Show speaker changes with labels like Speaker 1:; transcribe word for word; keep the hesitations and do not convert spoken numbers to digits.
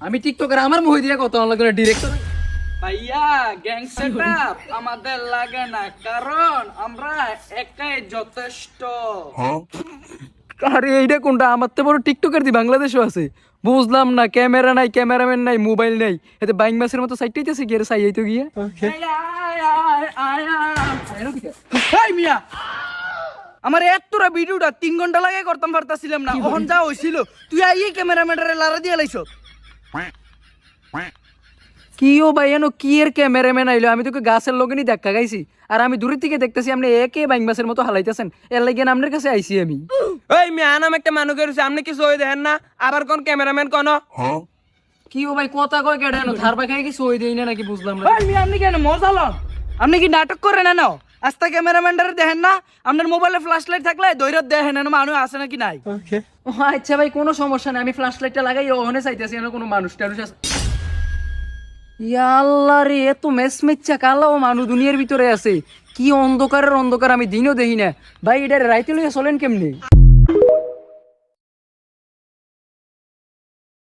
Speaker 1: আমি টিকটকার আমার মুখ দিয়ে কত লাগে ডিরেক্টর
Speaker 2: ভাইয়া গ্যাং সেটআপ আমাদের লাগে না, কারণ আমরা একাই যথেষ্ট।
Speaker 1: আরে এইটা কোনটা? আমার তো বড় টিকটকার দি বাংলাদেশও আছে। বুঝলাম না, ক্যামেরা নাই, ক্যামেরাম্যান নাই, মোবাইল নাই, এতে বাইং মাসের মতো সাইটাইতেছে গিয়ে সাইয়াইতো গিয়া।
Speaker 2: আয়, আয়, আয়, আয়, আয়। এই মিয়া, আমার এতটা ভিডিওটা তিন ঘন্টা লাগে করতাম পারতাছিলাম না, ওখান যা হইছিল তুই আইয়ে ক্যামেরাম্যানের লারা দিয়ে লাইছ।
Speaker 1: কি ও ভাই এনো কি এর ক্যামেরাম্যান আইলো? আমি তোকে গাছের লগে নি দেখা গাইছি, আর আমি দূরের থেকে দেখতেছি আপনি একে বাইং মাসের মতো হালাইতেছেন। এর লাগে আপনার কাছে আইছি আমি।
Speaker 3: ওই মিয়া নাম একটা মানুষ গেছে, আপনি কি সই দেখেন না? আবার কোন ক্যামেরাম্যান কোন?
Speaker 1: কি ও ভাই কথা কয় কেডানো থার বাখাই কি সই দেই না নাকি বুঝলাম না।
Speaker 2: এই মিয়া, আপনি কেন মজা লন? আপনি কি নাটক করেন না? আস্তা ক্যামেরাম্যানটারে দেখেন না? আপনার মোবাইলে ফ্ল্যাশ লাইট থাকলে দৈরত দেখেন না মানুষ আছে নাকি নাই।
Speaker 1: ও আচ্ছা ভাই, কোনো সমস্যা নাই, আমি ফ্ল্যাশ লাইটটা লাগাই ওখানে চাইতেছি না কোনো মানুষ টানুষ আছে। ইয়া আল্লাহ রে, এত মেস মেচ্চা কালা ও মানুষ দুনিয়ার ভিতরে আছে। কি অন্ধকারের অন্ধকার, আমি দিনও দেখি না ভাই। এটা রাইতে লইয়া চলেন কেমনি?